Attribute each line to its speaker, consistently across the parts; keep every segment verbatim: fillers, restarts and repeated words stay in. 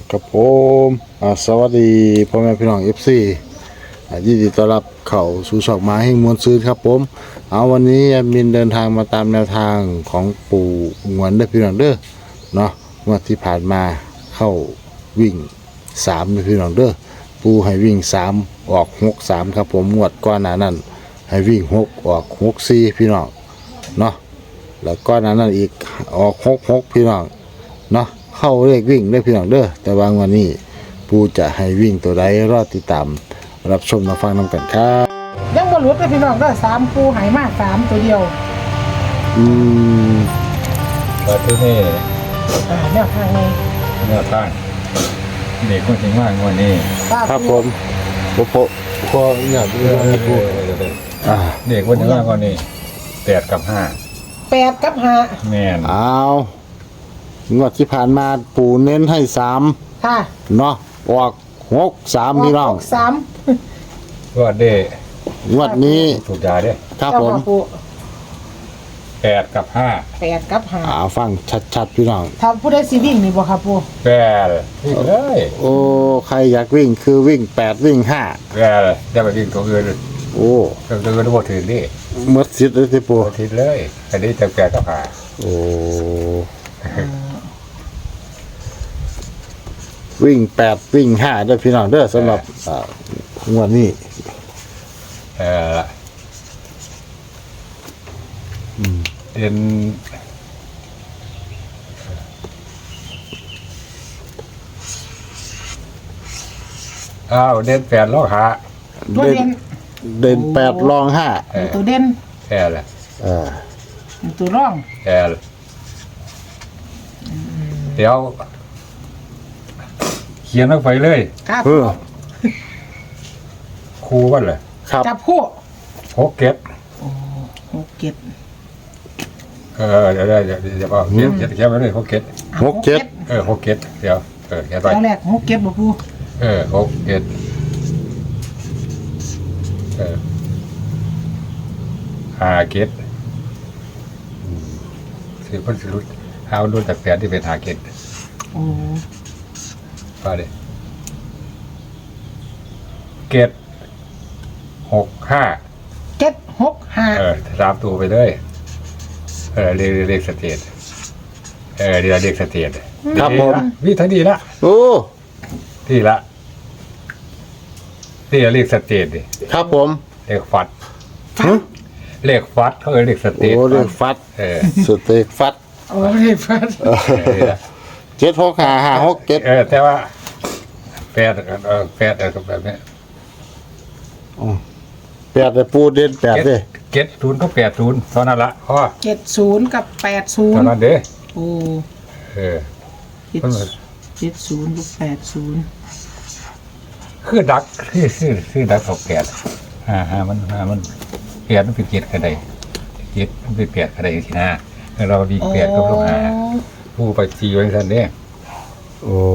Speaker 1: กับผมสวัสดีพ่อแม่พี่น้อง เอฟ ซี ยินดีต้อนรับเข้าสู่ช่องมาให้มวลซื้อครับผมเอาวันนี้แอดมินเดินทางมาตามแนวทางของปู่งวนเด้อพี่น้องเด้อเนาะงวดที่ผ่านมาเข้าวิ่งสามเด้อพี่น้องเด้อปู่ให้วิ่งสามออกหกสามครับผมงวดก่อนหน้านั้นให้วิ่งหกออกหกสี่พี่น้องเนาะแล้วก่อนหน้านั้นอีกออกหกหกพี่น้องเนาะเข้าเลขวิ่งได้พี่น้องเด้อแต่บางวันนี้ปู่จะให้วิ่งตัวใดรอติดตามรับชมมาฟังนำกันครับ
Speaker 2: ยังบ่หลุดเลยพี่น้องก็สามปูหายมากสามตัวเดียว
Speaker 1: อืม
Speaker 3: แต่ที่นี่
Speaker 2: อ่าแนวทางไง
Speaker 3: เนื้อตั้งเด็กคนจริงว่างวันนี้
Speaker 1: ครับผมโปโปพออยากรู้ให้ปู่อ่า
Speaker 3: เด็กคนจริงว่างวันนี้แปดกับห้า
Speaker 2: แปดกับห้า
Speaker 3: แม่น
Speaker 1: อ้าวงวดที่ผ่านมาปู่เน้นให้สาม
Speaker 2: ค่ะ
Speaker 1: เนาะออกหกสามพี่น้อง
Speaker 2: สาม
Speaker 3: ก็เด็ก
Speaker 1: งวดนี้
Speaker 3: ถูกยาเด้
Speaker 1: ครับผม
Speaker 3: แปดกับห้า
Speaker 2: แปดกับห้า
Speaker 1: อ่าฟังชัดๆพี่น้อง
Speaker 2: ถ้าผู้ใดสิวิ่งนี่บ่ครับปู่
Speaker 3: แปดวิ่งเลย
Speaker 1: โอ้ใครอยากวิ่งคือวิ่งแปดวิ่งห้า
Speaker 3: แปดจะไปวิ่งตัวอื่น
Speaker 1: โอ้
Speaker 3: ตัวอื่นบ่ถึงดิ
Speaker 1: หมดสิทธิ์เลยที่ปู่
Speaker 3: ถึงเลยอันนี้จะแปดกับห้า
Speaker 1: โอ้วิ่งแปดวิ่งห้าเด้อพี่น้องเด้อสำหรับงวดนี้
Speaker 3: เออเด่นอ้าวเด่นแปดลองหา
Speaker 2: ตัวเด่น
Speaker 1: เด่นแปดรองห้า
Speaker 2: ตัวเด่น
Speaker 3: แค่ละ
Speaker 1: เออ
Speaker 2: ตัวร่อง
Speaker 3: แค่เดี๋ยวเขียนลงไปเลย
Speaker 2: ครับ
Speaker 3: ครูว่าเลย
Speaker 1: ครับ
Speaker 2: จับคู่
Speaker 3: หกเก็ด
Speaker 2: หกเก็ด
Speaker 3: เออเดี๋ยวเดี๋ยวเดี๋ยวเอาเขียนเขียนเขียนไปเลยหกเก็ด
Speaker 1: หกเก็ด
Speaker 3: เออหกเก็ดเดี๋ยวเออเขียนไป
Speaker 2: แรกหกเก็ดบ่ปู
Speaker 3: เออหกเก็ดเออห้าเก็ดสี่พันสิรุดห้ารุ่นจากแปดที่เป็นห้าเก็ด
Speaker 2: โอ้
Speaker 3: ไปเลยเก็ดหกห้า
Speaker 2: เจ็ดหกห้า
Speaker 3: เออสามตัวไปเลยเออเรียกเรียกสเตทเออเรียกเรียกสเตท
Speaker 1: ครับผม
Speaker 3: วิธีดีละ
Speaker 1: โอ้
Speaker 3: ที่ละที่เรียกสเตทดิ
Speaker 1: ครับผม
Speaker 3: เรียกฟัดเรียกฟัดเขาเรียกสเตท
Speaker 1: โอ้เรียกฟัด
Speaker 3: เออ
Speaker 1: สเตทฟัด
Speaker 2: โอ้เรียกฟัด
Speaker 1: เจ็ดหกห้าห้าหกเจ็ด
Speaker 3: เออแต่ว่าแปดเออแปดเออแบบนี้
Speaker 1: แปดแต่ปูเด่นแปดเลย
Speaker 3: เจ็ดศูนย์ก็แปดศูนย์ตอนนั้นละพ่อ
Speaker 2: เจ็ดศูนย์กับแปดศูนย์
Speaker 3: ตอนนั้นเด้
Speaker 2: โอ้
Speaker 3: เออ
Speaker 2: เจ็ดศูนย์กับแปดศูนย์
Speaker 3: คือดักคือคือคือดักตกแปดฮ่าฮ่ามันฮ่ามันแปดมันเป็นเจ็ดกระไดเจ็ดมันเป็นแปดกระไดทีหน้าเราดีแปดกับลูกหาผู้ไปจีไว้ทันเนี่ย
Speaker 1: โอ้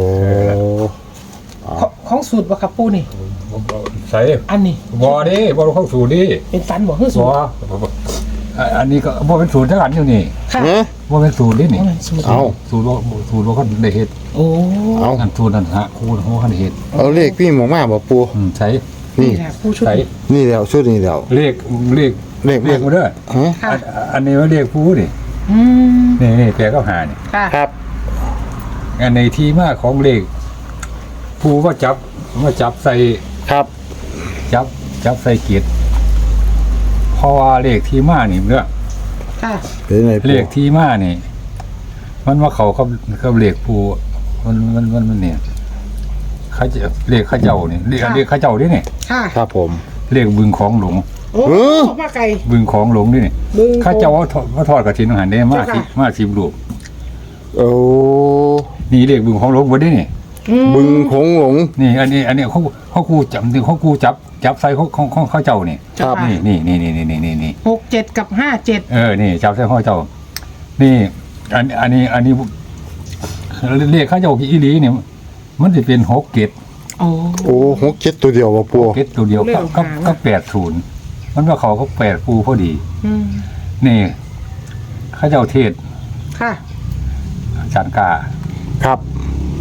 Speaker 2: ของสูตรบ่ครับปูนี่
Speaker 3: ใส่
Speaker 2: อันนี้
Speaker 3: บอดิบอลของสูตรดิ
Speaker 2: เป็นฟันบ่คือสูตร
Speaker 3: อันนี้ก็บอเป็นสูตรทั้งอันอยู่นี่บอเป็นสูตรดินี่
Speaker 1: เอา
Speaker 3: สูตรบอสูตรบอคนได้เห็ด
Speaker 2: โอ้
Speaker 3: เอาอันสูตรนั่นฮะคูณหัวคนได้เห็ด
Speaker 1: เอาเลขพี่หมอมาบ่ปู
Speaker 3: ใช่
Speaker 1: นี่
Speaker 3: ใช่
Speaker 1: นี่แล้วชุดนี้แล้ว
Speaker 3: เลขเลข
Speaker 1: เลข
Speaker 3: เลขมาด้วยอันนี้ว่าเลขผู้นี่นี่นี่แปลก็หานี่
Speaker 1: ครับ
Speaker 3: อันในที่มาของเลขผู้ว่าจับว่าจับใส่
Speaker 1: ครับ
Speaker 3: จับจับใส่เกียรติเพราะว่าเลขที่มานี่เนื้อเลขที่มานี่มันว่าเขาเขาเขาเลขผู้มันมันมันมันเนี่ยเขาจะเลขข้าเจ้านี่เลขเลขข้าเจ้าดิเนี่ย
Speaker 1: ครับผม
Speaker 3: เลขบึงของหลวง
Speaker 2: โอ้มาไกล
Speaker 3: บึงของหลวงนี่ข้าเจ้าว่าว่าทอดกระถินอาหารได้มากสิมากสิบลูก
Speaker 1: โอ้
Speaker 3: นี่เลขบึงของหลวงบนนี่นี่
Speaker 1: บึงของหลวง
Speaker 3: นี่อันนี้อันนี้เขาเขากูจับเขากูจับจับใส่เขาเขาเขาเขาเจ้านี่
Speaker 1: ครับ
Speaker 3: นี่นี่นี่นี่นี่นี่นี่
Speaker 2: หกเจ็ดกับห้าเจ็ด
Speaker 3: เออนี่จับใส่เขาเจ้านี่อันอันนี้อันนี้เรียกเขาเจ้าอีหลีเนี่ยมันจะเป็นหกเจ็ด
Speaker 2: โอ้
Speaker 1: โอ้หกเจ็ดตัวเดียววะปู
Speaker 3: เจ็ดตัวเดียวก็ก็ก็แปดศูนย์มันว่าเขาเขาแปดปูพอดีนี่เขาเจ้าเทศ
Speaker 2: ค่ะ
Speaker 3: อาจารย์กา
Speaker 1: ครับ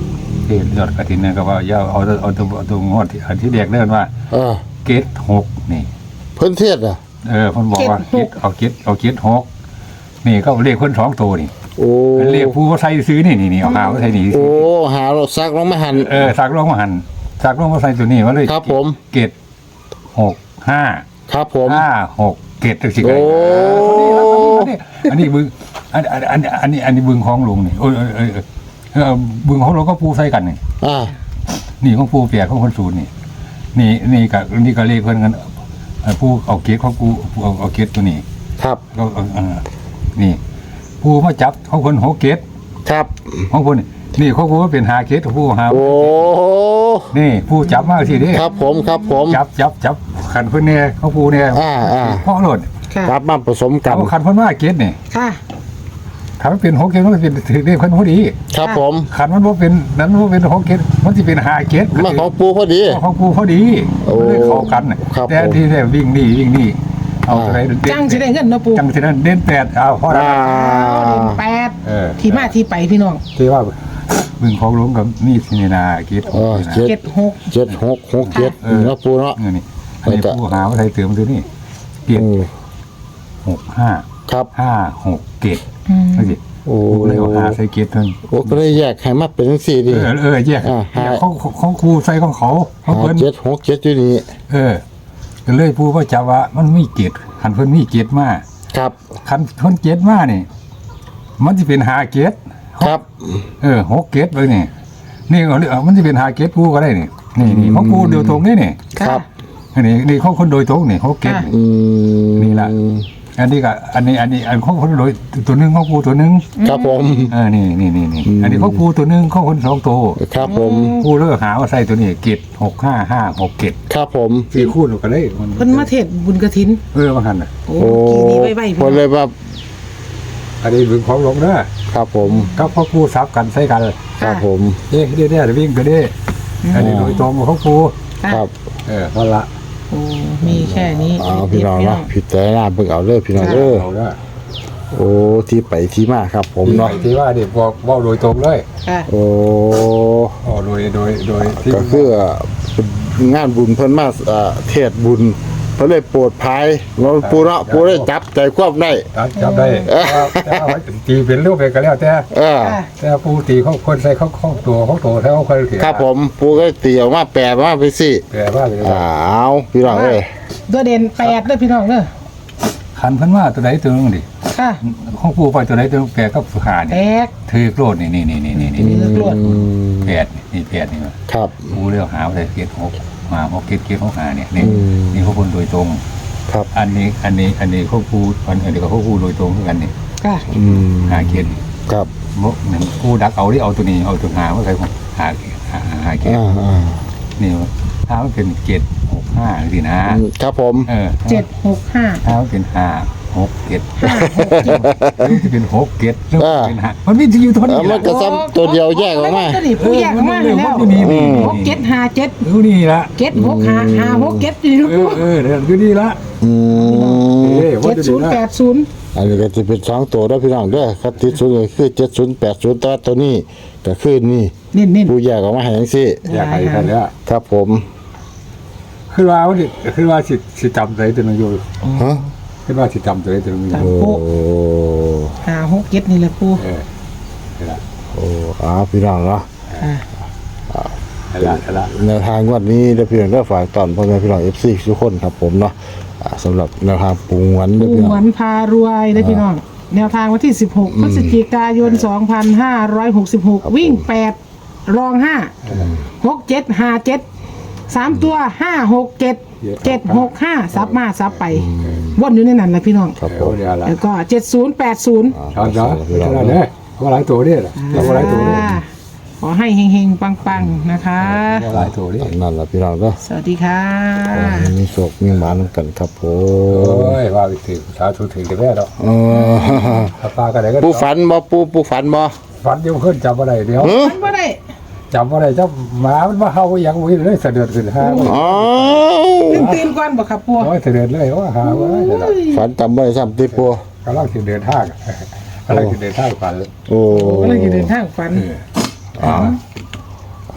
Speaker 3: เทศยอดกฐินเนี่ยก็ว่าอย่าเอาเอาตัวเอาตัวงวดที่อันที่แรกเดินว่า
Speaker 1: เออ
Speaker 3: เกตหกนี่
Speaker 1: เพิ่นเทศอ่ะ
Speaker 3: เออเพิ่นบอกว่าเกตเอาเกตเอาเกตหกนี่ก็เลขเพิ่นสองตัวนี่
Speaker 1: โอ้
Speaker 3: เลขผู้เขาใส่ซื้อนี่นี่นี่เอาหาว่าใส่นี่
Speaker 1: โอ้หาเราซักลงมาหัน
Speaker 3: เออสักลงมาหันสักลงมาใส่ตัวนี้ว่าเลย
Speaker 1: ครับผม
Speaker 3: เกตหกห้า
Speaker 1: ครับผม
Speaker 3: ห้าหกเกตจังสิ
Speaker 1: โอ้
Speaker 3: อันนี้บึงอันอันอันอันนี้อันนี้บึงของลุงนี่โอ้ยเออเออเออเออบึงของเราก็ปูใส่กันนี่
Speaker 1: อ่า
Speaker 3: นี่ของปูเปียกของคนศูนย์นี่นี่นี่กับนี่ก็เลขเพิ่นกันเอ่อปูเอาเกตของปูปูเอาเอาเกตตัวนี้
Speaker 1: ครับ
Speaker 3: ก็เออเออนี่ปูมาจับของคนหกเกต
Speaker 1: ครับ
Speaker 3: ของคนนี่นี่ของปูเป็นหาเกตของปูหา
Speaker 1: โอ้
Speaker 3: นี่ปูจับมากสิเด้
Speaker 1: ครับผมครับผม
Speaker 3: จับจับจับขันเพิ่นเนี่ยของปูเนี่ย
Speaker 1: อ่าอ่า
Speaker 3: พ่อโหลด
Speaker 2: ค่ะ
Speaker 1: รับมาผสมกัน
Speaker 3: เอาขันเพิ่นว่าเกตนี่
Speaker 2: ค่ะ
Speaker 3: ขันมันเป็นหกเกตมันก็เป็นถือเลขเพิ่นพอดี
Speaker 1: ครับผม
Speaker 3: ขันมันบ่เป็นนั้นมันบ่เป็นหกเกตมันสิเป็นห้าเกต
Speaker 1: มาของปูพอดี
Speaker 3: ของปูพอดี
Speaker 1: โอ้
Speaker 3: มันเลยเข้ากันน่ะ
Speaker 1: ครับ
Speaker 3: แต่
Speaker 1: ผม
Speaker 3: ที่แท้วิ่งนี่วิ่งนี่เอาอะไรเด่น
Speaker 2: จังสิได้เงินเนาะปู
Speaker 3: จังสินั้นเด่นแปดเอาพอได้
Speaker 1: อ่า
Speaker 2: เดือนแปด
Speaker 3: เออ
Speaker 2: ที่มาที่ไปพี่น้อง
Speaker 3: ที่ว่าบึงของหลวงกับนี่สินี่นาเกต
Speaker 1: เออเจ็ด
Speaker 2: เจ็ดหก
Speaker 1: เจ็ดหกหกเจ็ดนี่เนาะปูเนาะ
Speaker 3: เออนี่อันนี้
Speaker 1: แล้วก็
Speaker 3: ผู้หาว่าไทยเติมตัวนี้เกต
Speaker 1: อืม
Speaker 3: หกห้า
Speaker 1: ครับ
Speaker 3: ห้าหกเกต
Speaker 2: อืม
Speaker 3: นั่นสิ
Speaker 1: โอ้
Speaker 3: กูเลยเอาหาใส่เกตเพิ่น
Speaker 1: โอ้ก็เลยแยกให้มาเป็นจังซี่
Speaker 3: เอ
Speaker 1: ดิ
Speaker 3: อเออแยก
Speaker 1: อ่าหา
Speaker 3: แยกของของครูใส่ของเขาของ
Speaker 1: หา
Speaker 3: เพิ่น
Speaker 1: เจ็ดหกเจ็ดอยู่นี่
Speaker 3: เออก็เลยผู้ว่าจะว่ามันมีเกตหันเพิ่นมีเกตมา
Speaker 1: ครับ
Speaker 3: คันเพิ่นเกตมานี่ มันจะเป็นหาเกต
Speaker 1: ครับ
Speaker 3: เออหกเกตเลยนี่นี่เอาเลยเอามันจะเป็นหาเกตผู้ก็ได้นี่นี่นี่ของผู้โดยตรงนี่นี่
Speaker 1: ครับ
Speaker 3: อันนี้นี่ของคนโดยตรงนี่หกเกต
Speaker 1: อืม
Speaker 3: นี่ล่ะ อันนี้ก็อันนี้อันนี้อันของคนโดยตัวหนึงของผู้ตัวหนึง
Speaker 1: ครับผม
Speaker 3: เออนี่นี่นี่นี่
Speaker 1: อืม
Speaker 3: อันนี้ของผู้ตัวหนึงของคนสองตัว
Speaker 1: ครับผม
Speaker 3: ผู้เลือกหาว่าใส่ตัวนี้เกตหกห้าห้าหกเกต
Speaker 1: ครับผม
Speaker 3: สี่คู่ก็ได้มัน
Speaker 2: เพิ่นมาเทศบุญกฐิน
Speaker 3: เออมาหันน่ะ
Speaker 2: โอ้
Speaker 1: โอ้
Speaker 2: กี่นี้ไว้ไว้
Speaker 1: ค
Speaker 2: พี่
Speaker 1: นเลยว่า
Speaker 3: อันนี้บึงของหลวงเด้อ
Speaker 1: ครับผม
Speaker 3: กับพ่อผู้ซับกันใส่กัน
Speaker 1: ครับผม
Speaker 3: เด้เด้เด้วิ่งก็เด้อันนี้โดยตรงของผู้
Speaker 2: ค่ะ
Speaker 1: ครับ
Speaker 3: เออพอละ
Speaker 2: โอ้มีแค่นี้
Speaker 1: เอาพี่น้อง
Speaker 2: เด็ดๆ
Speaker 1: เนาะพิจารณาเบิ่งเอาเลยพี่น้องเด้อ
Speaker 3: เอาเด้อ
Speaker 1: โอ้ที่ไปที่มาครับผมเนาะ
Speaker 3: ที่ว่าเด็กบอกบอกโดยตรงเลย
Speaker 2: ค่ะ
Speaker 1: โอ้
Speaker 3: อ๋อโดยโดยโดยที่
Speaker 1: ก็คือเป็นงานบุญเพิ่นมาเอ่อเทศบุญเพิ่นเลยโปรดภัยเราปูเนาะปูได้จับใจควบได้
Speaker 3: จับจับได้แต่ว่าตีเป็นรูปเป็นก็แล้วแต่
Speaker 1: เออ
Speaker 2: ค่ะ
Speaker 3: แต่ผู้ตีเขาคนใส่เขาเขาตัวเขาตัวแล้วเขาคนเขียน
Speaker 1: ครับผมปูก็ตีออกมาแปลมาไปสิ
Speaker 3: แปลว่าเลย
Speaker 1: อ้าวพี่น้องเอ้ย
Speaker 2: ตัวเด่นแปดเด้อพี่น้องเด้อ
Speaker 3: ขันเพันว่าตัวไหนตัวนึงดิ
Speaker 2: ค่ะ
Speaker 3: ของผู้ไปตัวไหนตัวนึงแปลก็สุขา
Speaker 2: แต
Speaker 3: นี่
Speaker 2: ก
Speaker 3: ถือโกรธนี่นี่นี่นี่นี่
Speaker 2: อื
Speaker 3: นี่
Speaker 2: ม เลือกโลด
Speaker 3: แปดนี่แปดนี่มา
Speaker 1: ครับ
Speaker 3: ผู้เลือกหาอะไรเกียรติหกมาหกเกียรติเกียรติหกหาเนี่ยนี่
Speaker 1: อืม
Speaker 3: นี่เขาคนโดยตรง
Speaker 1: ครับ
Speaker 3: อันนี้อันนี้อันนี้เขาผู้อันนี้ก็เขาผู้โดยตรงเหมือนกันนี่
Speaker 2: ค่ะ
Speaker 1: อืม
Speaker 3: หาเกียรติ
Speaker 1: ครับ
Speaker 3: มกหนึ่งผู้ดักเอาที่เอาตัวนี้เอาตัวหาว่าใครหาหาหาหาเกียรติ
Speaker 1: อ่าอ่า
Speaker 3: นี่ถ้ามันเป็นเกียรติหกห้าสินะ
Speaker 1: ครับผม
Speaker 3: เออ
Speaker 2: เจ็ดหกห้า
Speaker 3: ถ้ามันเป็นห้าหกเกียรติ
Speaker 2: ห้าหกเจ็ด
Speaker 3: หรือจะเป็นหกเกียรติหรือจะเป็นห้ามันมีที่อยู่เท่า
Speaker 1: เอ
Speaker 3: นี้
Speaker 1: อมันก็ซ้ำตัวเดียวแยกออกมา
Speaker 2: ตัวนี้ผู้แยกออกมาเลยแล้ว
Speaker 3: นี่นี่
Speaker 2: หกเจ็ดห้าเจ็ด
Speaker 3: ดูนี่ละ
Speaker 2: เจ็ดหกห้าห้าหกเจ็ดอยู่
Speaker 3: เอ
Speaker 2: ลู
Speaker 3: อก เออเดี๋ยวดูนี่ละ
Speaker 1: อืม
Speaker 3: เอ้ยว่า
Speaker 2: เจ็ด
Speaker 3: จะ
Speaker 2: ศู
Speaker 3: ดู
Speaker 2: นย์
Speaker 3: นะ
Speaker 2: แปดศูนย์
Speaker 1: อันนี้ก็จะเป็นสองตัวแล้วพี่น้องเด้อครับที่สุดเลยคือเจ็ดศูนย์แปดศูนย์แต่ว่าตัวนี้ก็คือนี่
Speaker 2: เน้นเน้น
Speaker 1: ผู้แยกออกมาให้จังซี่
Speaker 3: อยากให้กันแล้ว
Speaker 1: ครับผม
Speaker 3: คือว่าว่าสิคือว่าสิสิจำใจตัวนึงอยู่
Speaker 1: ฮะ
Speaker 3: คือว่าสิจำใจตัวนึงอยู่
Speaker 1: โอ้
Speaker 2: ห้าหกเจ็ดนี่แหละปู
Speaker 3: เออนี่ละ
Speaker 1: โอ้อาพี่น้องเนาะ
Speaker 2: อ่า
Speaker 3: นี่ละนี่ละ
Speaker 1: แนวทางงวันนี้เด้อพี่น้องเด้อฝากตอนพ่อแม่พี่น้อง เอฟ ซี ทุกคนครับผมเนาะอ่าสำหรับแนวทางปูงวันเด้อ
Speaker 2: ปู
Speaker 1: พี่น้
Speaker 2: ห
Speaker 1: อ
Speaker 2: ว
Speaker 1: ง
Speaker 2: นพารวยได้พี่น้อง แนวทางวันที่สิบหกพฤศจิกายนสองพันห้าร้อยหกสิบหกวิ่งแปดรองห้าหกเจ็ดห้าเจ็ดสามตัวห้าหกเจ็ดเจ็ดหกห้าซับมาซับไปวนอยู่ในนั้นแหละพี่น้อง
Speaker 1: ครับผ
Speaker 3: เดี๋ยว
Speaker 1: ม
Speaker 3: เดี๋ยวละ
Speaker 2: แล้วก็เจ็ดศูนย์แปดศูนย์
Speaker 3: ช้อนช้อนเท่านั้นเนี่ยว่าหลายตัวเนี่ยว่าหลายตัวเนี่ย
Speaker 2: ขอให้เฮงๆ ปังๆ นะคะ
Speaker 3: ว่าหลายตัวเนี่ย
Speaker 1: นั่นล่ะพี่น้องเด้อ
Speaker 2: สวัสดีค่ะ
Speaker 1: ขอให้มีโชคมีหมานำกันครับผ
Speaker 3: โอ้
Speaker 1: ม
Speaker 3: ยว่าไปถึงสาธุถึงแต่แม่แล้ว
Speaker 1: เออ
Speaker 3: ถ้าปลากันไหนก็
Speaker 1: ปูฝันบ่ปูปูฝันบ่
Speaker 3: ฝันเดี๋ยวขึ้นจำอะไรเดี๋ยว
Speaker 1: เออ
Speaker 2: มันบ่ได้
Speaker 3: จำอะไรเจ้าหมามันมาเฮาอย่างวิ่งเลยเสด็จขึ้นห้า
Speaker 1: อ๋อ
Speaker 2: ตื่นตื่นก่อนบ่ครับปัว
Speaker 3: โอ้ยเสด็จเลยว่าหาว่าเดี๋ยวละ
Speaker 1: ฝันจำบ่ได้ซ้ำติปู
Speaker 3: กำลังจะเดินทางกำลังจะเดินทางฝัน
Speaker 1: โอ้
Speaker 2: ก็เลยจะเดินทางฝัน
Speaker 1: อ่า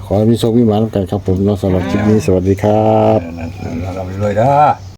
Speaker 1: ขอให้มีโชคมีหมานกันครับผมเนาะสำหรับคลิปนี้สวัสดีครับ
Speaker 3: นั่นๆเราไปเลยเด้อ